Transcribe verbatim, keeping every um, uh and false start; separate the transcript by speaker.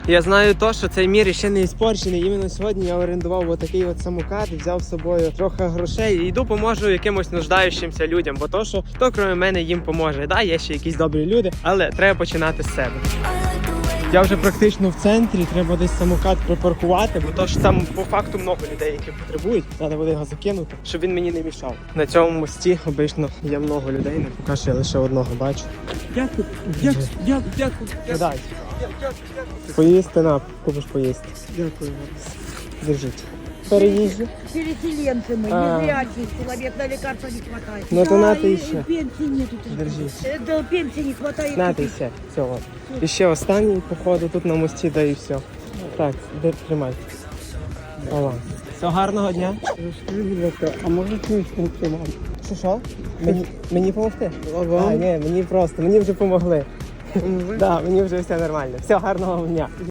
Speaker 1: Я знаю то, що цей мір ще не іспорчений. Іменно сьогодні я орендував отакий от самокат, взяв з собою трохи грошей і йду поможу якимось нуждаючимся людям, бо то, що хто крім мене їм поможе. Да, є ще якісь добрі люди, але треба починати з себе. Я вже практично в центрі, треба десь самокат припаркувати, бо то ж там по факту много людей, які потребують. Треба буде його закинути, щоб він мені не мішав. На цьому мості обично є много людей, не поки що я лише одного бачу.
Speaker 2: Дякую, дякую, дякую, дякую.
Speaker 1: Дай. Поїсти на, купиш поїсти.
Speaker 2: Дякую.
Speaker 1: Держіть. Переїжджу.
Speaker 3: Переселенцы мы,
Speaker 1: А.
Speaker 3: незрячий человек, на лекарства не хватает.
Speaker 1: Ну то
Speaker 3: Да,
Speaker 1: на ти
Speaker 3: и-
Speaker 1: ще.
Speaker 3: и пенсии нету.
Speaker 1: Держіть.
Speaker 3: Э, Да, пенсии не хватает.
Speaker 1: На ти ще. Все, от. І ще останній, походу, тут на мості, да і все. Так, де тримай. Ова. Все, гарного дня.
Speaker 2: А може чуєш вам?
Speaker 1: Що, що? Мені, мені помогти?
Speaker 2: А
Speaker 1: А,
Speaker 2: вам?
Speaker 1: ні, мені просто, мені вже помогли. Да, мені вже все нормально. Все, гарного дня.